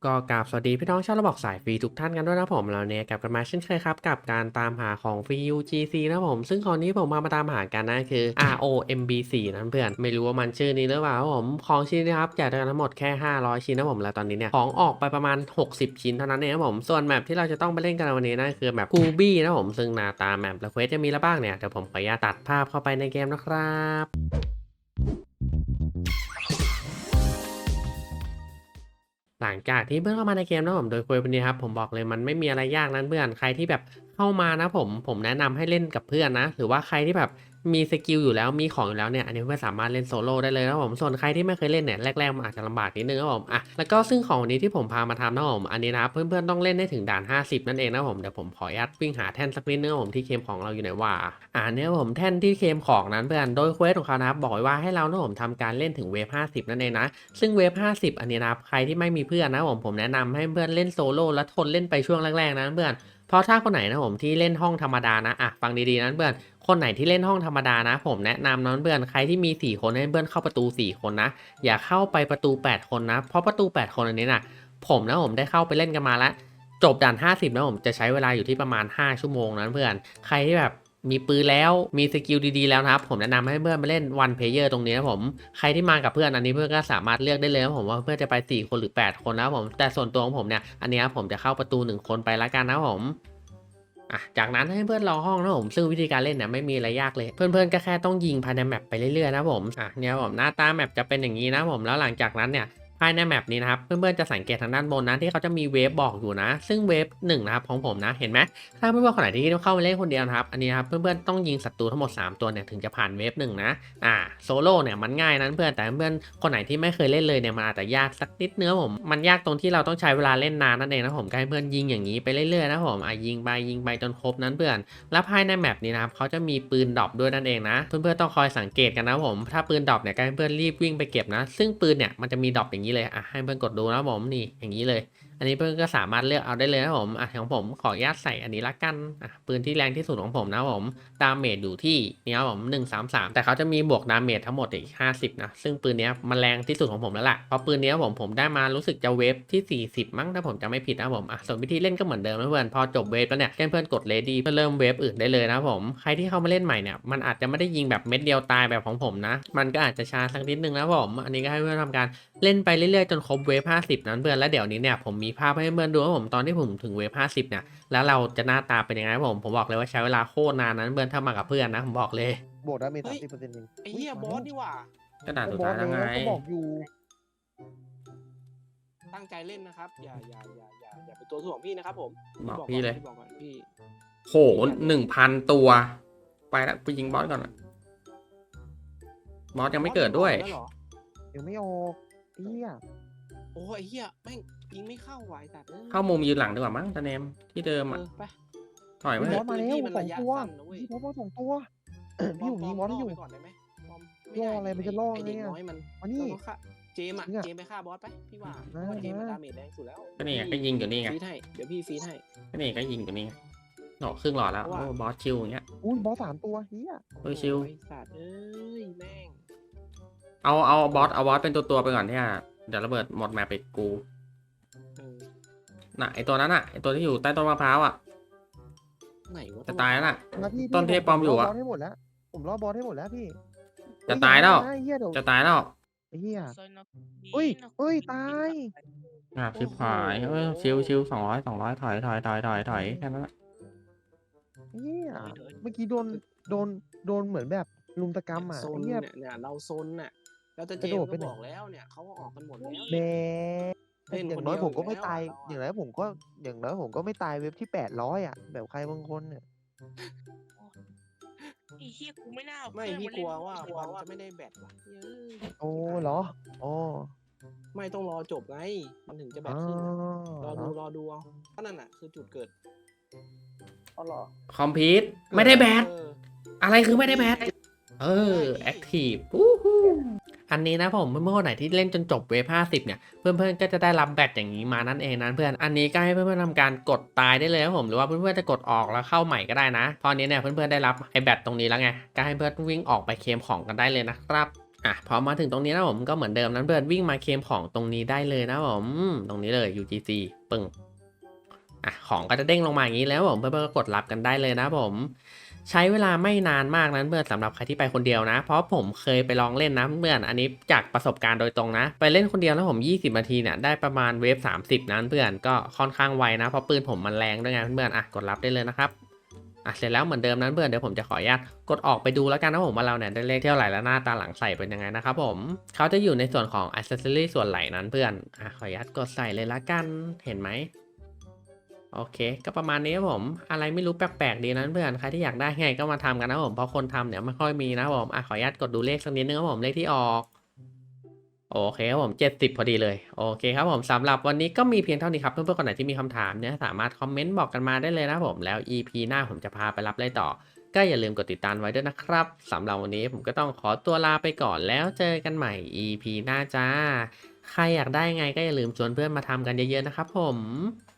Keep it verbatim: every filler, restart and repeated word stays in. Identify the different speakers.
Speaker 1: ก็กราบสวัสดีพี่น้องชาวระบบสายฟรีทุกท่านกันด้วยนะผมเราเนี่ยกลับกันมาเช่นเคยครับกับการตามหาของฟรี ยู จี ซี นะผมซึ่งคราวนี้ผมมามาตามหากันนะคือ อาร์ โอ เอ็ม บี โฟร์ นะเพื่อนไม่รู้ว่ามันชื่อนี้หรือเปล่าครับผมของชิ้นนะครับแจกได้ทั้งหมดแค่ห้าร้อยชิ้นนะผมแล้วตอนนี้เนี่ยของออกไปประมาณหกสิบชิ้นเท่านั้นเองนะผมส่วนแมปที่เราจะต้องไปเล่นกันวันนี้นะคือแมปกูบี้นะผมซึ่งหน้าตาแมปและเควสจะมีอะไรบ้างเนี่ยเดี๋ยวผมขออนุญาตตัดภาพเข้าไปในเกมนะครับหลังจากที่เพื่อนเข้ามาในเกมนะผมโดยคุยวันนี้ครับผมบอกเลยมันไม่มีอะไรยากนั้นเพื่อนใครที่แบบเข้ามานะผมผมแนะนำให้เล่นกับเพื่อนนะหรือว่าใครที่แบบมีสกิลอยู่แล้วมีของอยู่แล้วเนี่ยอันนี้เพื่อนสามารถเล่นโซโล่ได้เลยนะผมส่วนใครที่ไม่เคยเล่นเนี่ยแรกๆมันอาจจะลำบากนิดนึงนะผมอ่ะแล้วก็ซึ่งของวันนี้ที่ผมพามาทำนะผมอันนี้นะครับเพื่อนๆต้องเล่นได้ถึงด่านห้าสิบนั่นเองนะผมเดี๋ยวผมขออนุญาตวิ่งหาแท่นสักนิดนึงนะผมที่เคมของเราอยู่ไหนว่าอ่าเนี่ยผมแท่นที่เคมของนั้นเพื่อนโดยเควสของเขานะครับบอกไว้ว่าให้เรานะผมทำการเล่นถึงเวฟห้าสิบนั่นเองนะ ซึ่งเวฟห้าสิบอันนี้นะครับใครที่ไม่มีเพื่อนนะผมผมแนะนำให้เพื่อนเล่นโซโล่แล้วทนเล่นไปช่วงแรกๆนะเพื่อนเพราะถ้าคนไหนนะผมที่เล่นห้องธรรมดานะอ่ะฟังดีๆนะเพื่อนคนไหนที่เล่นห้องธรรมดานะผมแนะนำนะเพื่อนใครที่มีสี่คนให้เพื่อนเข้าประตูสี่คนนะอย่าเข้าไปประตูแปดคนนะเพราะประตูแปดคนอันนี้นะผมนะผมได้เข้าไปเล่นกันมาแล้วจบด่านห้าสิบนะผมจะใช้เวลาอยู่ที่ประมาณห้าชั่วโมงนะเพื่อนใครที่แบบมีปืนแล้วมีสกิลดีๆแล้วนะครับผมแนะนำให้เพื่อนมาเล่นวันเพลเยอร์ตรงนี้นะผมใครที่มากับเพื่อนอันนี้เพื่อนก็สามารถเลือกได้เลยนะผมว่าเพื่อนจะไปสี่คนหรือแปดคนนะผมแต่ส่วนตัวของผมเนี่ยอันนี้ผมจะเข้าประตูหนึ่งคนไปละกันนะผมอ่ะจากนั้นให้เพื่อนรอห้องนะผมซึ่งวิธีการเล่นเนี่ยไม่มีอะไรยากเลยเพื่อนๆก็แค่ต้องยิงภายในแมปไปเรื่อยๆนะผมอ่ะเนี่ยผมหน้าตาแมปจะเป็นอย่างนี้นะผมแล้วหลังจากนั้นเนี่ยภายในแมปนี้นะครับเพื่อนๆจะสังเกตทางด้านบนนะที่เขาจะมีเวฟบอกอยู่นะซึ่งเวฟหนึ่งนะครับของผมนะเห็นไหม ถ้าเพื่อนๆคนไหนที่เข้ามาเล่นคนเดียวนะครับอันนี้ครับเพื่อนๆต้องยิงศัตรูทั้งหมดสามตัวเนี่ยถึงจะผ่านเวฟหนึ่งนะอ่าโซโล่เนี่ยมันง่ายนะเพื่อนแต่เพื่อนคนไหนที่ไม่เคยเล่นเลยเนี่ยมันอาจจะยากสักนิดเนื้อผมมันยากตรงที่เราต้องใช้เวลาเล่นนานนั่นเองนะผมก็ให้เพื่อนยิงอย่างนี้ไปเรื่อยๆนะผมอ่ะยิงไปยิงไปจนครบนั้นเพื่อนแล้วภายในแมปนี้นะครับเขาจะมีปืนดรอปด้วยนั่นเองนะเพื่อนๆต้องคอยสังเกตกันนะผมถ้าปืนดรอปเนี่ยก็ให้เพื่อนรีบวิ่งไปเก็บนะซึ่งปืนเนี่ยมันจะมีดรอปอย่างนี้เลยอ่ะให้เพื่อนกดดูนะผมนี่อย่างนี้เลย อันนี้เพื่อนก็สามารถเลือกเอาได้เลยนะผมอ่ะของผมขออนุญาตใส่อันนี้ละกันอ่ะปืนที่แรงที่สุดของผมนะผมดาเมจอยู่ที่เนี่ยผมหนึ่งสามสามแต่เขาจะมีบวกดาเมจทั้งหมดอีกห้าสิบนะซึ่งปืนนี้มันแรงที่สุดของผมแล้วล่ะเพราะปืนนี้ผมผมได้มารู้สึกจะเวฟที่สี่สิบมั้งถ้าผมจะไม่ผิดนะผมอ่ะส่วนวิธีเล่นก็เหมือนเดิมนะเพื่อนพอจบเวฟแล้วเนี่ยเพื่อนๆกดเลดี้เพื่อเริ่มเวฟอื่นได้เลยนะผมใครที่เข้ามาเล่นใหม่เนี่ยมันอาจจะไม่ได้ยิงแบบเม็ดเดียวตายแบบของผมนะมันก็อาจจะช้าสักนิดนึงนะผมอันนี้ก็ให้เพื่อนทำการ เล่นไปเรื่อยๆจนครบเวฟห้าสิบนั้นเพื่อนแล้วเดี๋ยวนี้เนี่ยผมมีภาพให้เพื่อนดูว่าผมตอนที่ผมถึงเวฟห้าสิบเนี่ยแล้วเราจะหน้าตาเป็นยังไงผมผมบอกเลยว่าใช้เวลาโคตรนานนั้นเพื่อนถ้ามากับเพื่อนนะผมบอกเลย
Speaker 2: บวกดาเมจ
Speaker 3: เฮ้ย
Speaker 2: สามสิบเปอร์เซ็นต์เอง
Speaker 3: ไอ้เหี้ยบอสนี่หว่า
Speaker 1: ก็ด่านสุด
Speaker 2: บอส
Speaker 1: ท้ายแล้วไง
Speaker 2: แล้วก็บอกอยู่
Speaker 3: ตั้งใจเล่นนะครับอย่าอย่าอย่าอย่าอย่าเป็นตัวถ่วงพี่นะครับผม
Speaker 1: บอกพี่เลย
Speaker 3: บอกก่อนพี่
Speaker 1: โหหนึ่งพันตัวไปแล้วกูยิงบอสก่อนอะบอสยังไม่เกิดด้วย
Speaker 3: แล้วเหรอ
Speaker 2: ยังไม่ออกเฮีย
Speaker 3: โอ้ไอ้เหี้ยแม่งยิงไม่เข้าไหวแต่เอ้ย
Speaker 1: เข้ามุมยืนหลังดีกว่ามั้งตาเนมที่เดิม
Speaker 3: เอ
Speaker 1: อ่ะ
Speaker 3: อไป
Speaker 1: ถอย
Speaker 2: มี
Speaker 1: มา
Speaker 2: บ
Speaker 1: เถ
Speaker 2: อ
Speaker 1: อะ
Speaker 2: สมาแล้ว
Speaker 3: พี่มัน
Speaker 2: สอ
Speaker 3: ระ
Speaker 2: ง
Speaker 3: ยะ
Speaker 2: ตัว
Speaker 3: สั้นนะเว้ย
Speaker 2: พี่บอสมาสองตัวพี่ผมยิงบอสให้อยู่
Speaker 3: ไปก่อนได้ไหมบอมไม่
Speaker 2: ล่อ
Speaker 3: ได้
Speaker 2: อะไรมันจะล่อ
Speaker 3: ไอเด็ก
Speaker 2: ไงอะ
Speaker 3: น้อยมัน
Speaker 2: มานี่
Speaker 3: ต้องฆ่าเจมอะ
Speaker 2: เนี่ย
Speaker 3: เจมไปฆ่าบอสไปพี่ว่าเพ
Speaker 2: มา
Speaker 3: ราะว่าเจมมัน
Speaker 2: มา
Speaker 3: ดาเมจแรงสุดแล้ว
Speaker 1: ก็นี่ไงก็ยิงอยู่นี่ไง
Speaker 3: ฟีดให้เดี๋ยวพี่ฟีดให้
Speaker 1: ก็นี่ก็ยิงอยู่นี่ไงโหครึ่งหลอดแล้ว
Speaker 3: เพราะว่า
Speaker 1: โอ้บอสชิวอย่างเงี้ย
Speaker 2: อุ้ยบอสสามตัวเฮีย
Speaker 1: เฮ้ยชิว
Speaker 3: ไอ้สัตว์เอ้ยแม่ง
Speaker 1: เอาเอาบอสเอาบอสเป็นตัวตัวๆไปก่อนที่อ่ะเดี๋ยวระเบิดหมดแมปไปกู
Speaker 3: เออ
Speaker 1: น่ะไอตัวนั้นน่ะไอตัวที่อยู่ใต้ต้นมะพร้าวอ่ะ
Speaker 3: ไหนวะ
Speaker 1: จะตายแล้วน่ะ
Speaker 2: มาพี่
Speaker 1: ต้นเทพปลอมอยู่อะ
Speaker 2: บอสให้หมดแล้วผมรอบอสให้หมดแล้วพี่
Speaker 1: จะตายแล้ว
Speaker 2: เฮ้เฮียเดี๋ยว
Speaker 1: จะตายแล้ว
Speaker 2: เฮีย
Speaker 4: เฮ้
Speaker 2: เฮ้
Speaker 4: ย
Speaker 2: ย
Speaker 4: เฮ้
Speaker 2: เฮ้
Speaker 4: ย
Speaker 2: ย
Speaker 4: ตา
Speaker 2: ตาย ย
Speaker 1: อ่ะชิบหายเอ้ยชิวชิวสองร้อยสองร้อยถอยถอยถอยถอยถอยแค่นั้นแหละ
Speaker 2: เฮียเมื่อกี้โดนโดนโดนเหมือนแบบลุมตะกรรมอ่ะ
Speaker 3: โซน
Speaker 2: เฮีย
Speaker 3: เนี่ยเนี่ยเราโซนน่ะแล้วแต่เจ
Speaker 2: กระโด
Speaker 3: ม
Speaker 2: ด
Speaker 3: ส์
Speaker 2: ไป
Speaker 3: ก็
Speaker 2: ไหน
Speaker 3: บอกแล้วเนี่ยเขาก็ออกกันหมดแล้ว
Speaker 2: แหม
Speaker 3: เล่น
Speaker 2: อย่า
Speaker 3: ค
Speaker 2: ง
Speaker 3: น
Speaker 2: น้อย
Speaker 3: เดียว
Speaker 2: ผมก็
Speaker 3: อยู่
Speaker 2: ไม่
Speaker 3: แล้ว
Speaker 2: ตาย
Speaker 3: อะเราอะ
Speaker 2: อย่างน้อยผมก็อย่างน้อยผมก็ไม่ตายเว็บที่แปดร้อยอ่ะแบบใครบางคนเนี่ย
Speaker 4: ไอ้เฮียกูไม่น่าเอา
Speaker 3: ไม่
Speaker 4: เพื่อน
Speaker 3: พี่
Speaker 4: มาก เล่
Speaker 3: ลั
Speaker 4: น
Speaker 3: วว่า
Speaker 4: ด้วย
Speaker 3: บอลจะไม่ได้แบตว่ะเย้ย
Speaker 2: โอ้เหรออ๋อ
Speaker 3: ไม่ต้องรอจบไงมันถึงจะแบ
Speaker 2: อ๋
Speaker 3: ต
Speaker 2: อ
Speaker 3: ขึ้นอะรอ
Speaker 2: เหร
Speaker 3: ดู
Speaker 2: อ
Speaker 3: รอดูเอาก็นั่นน่ะคือจุดเกิดอ๋อเหรอ
Speaker 1: คอมพิวต์ไม่ได้แบต
Speaker 3: เออ
Speaker 1: อะไรคือไม่ได้แบตเออแอคทีฟอันนี้นะผมเมื่อวันไหนที่เล่นจนจบเวฟห้าสิบเนี่ยเพื่อนๆก็จะได้รับแบตอย่างนี้มานั่นเองนะเพื่อนอันนี้ก็ให้เพื่อนๆทำการกดตายได้เลยนะผมหรือว่าเพื่อนๆจะกดออกแล้วเข้าใหม่ก็ได้นะพอนี้เนี่ยเพื่อนๆได้รับไอ้แบตตรงนี้แล้วไงก็ให้เพื่อนวิ่งออกไปเคลมของกันได้เลยนะครับอ่ะพอมาถึงตรงนี้นะผมก็เหมือนเดิมนั้นเพื่อนวิ่งมาเคลมของตรงนี้ได้เลยนะผมอืมตรงนี้เลย ยู จี ซี ปึ้งอ่ะของก็จะเด้งลงมาอย่างนี้แล้วผมเพื่อนๆก็กดรับกันได้เลยนะผมใช้เวลาไม่นานมากนั้นเพื่อนสำหรับใครที่ไปคนเดียวนะ เพราะผมเคยไปลองเล่นนะเพื่อนอันนี้จากประสบการณ์โดยตรงนะ ไปเล่นคนเดียวแล้วผมยี่สิบนาทีเนี่ยได้ประมาณเวฟสามสิบนั้นเพื่อนก็ค่อนข้างไวนะเพราะปืนผมมันแรงด้วยไงเพื่อนๆอ่ะกดรับได้เลยนะครับ อ่ะเสร็จแล้วเหมือนเดิมนั้นเพื่อนเดี๋ยวผมจะขออนุญาตกดออกไปดูแล้วกันนะผมว่าเราเนี่ยได้เลขเท่าไหร่แล้วหน้าตาหลังใส่เป็นยังไงนะครับผมเขาจะอยู่ในส่วนของอ c เซสซอรี่ส่วนไหล่นั้นเพื่อนอ่ะขออนุญาตกดใส่เลยละกันเห็นไหมโอเคก็ประมาณนี้ครับผมอะไรไม่รู้แปลกๆดีนั้นเพื่อนใครที่อยากได้ไงก็มาทำกันนะผมเพราะคนทำเนี่ยไม่ค่อยมีนะผมอ่ะขออนุญาตกดดูเลขสักนิดนึงครับผมเลขที่ออกโอเคครับผมเจ็ดสิบพอดีเลยโอเคครับผมสำหรับวันนี้ก็มีเพียงเท่านี้ครับเพื่อนๆคนไหนที่มีคำถามเนี่ยสามารถคอมเมนต์บอกกันมาได้เลยนะผมแล้ว อี พี หน้าผมจะพาไปรับอะไรต่อ ก็อย่าลืมกดติดตามไว้ด้วยนะครับสำหรับวันนี้ผมก็ต้องขอตัวลาไปก่อนแล้วเจอกันใหม่ อี พี หน้าจ้า ใครอยากได้ไงก็อย่าลืมชวนเพื่อนมาทำกันเยอะๆนะครับผม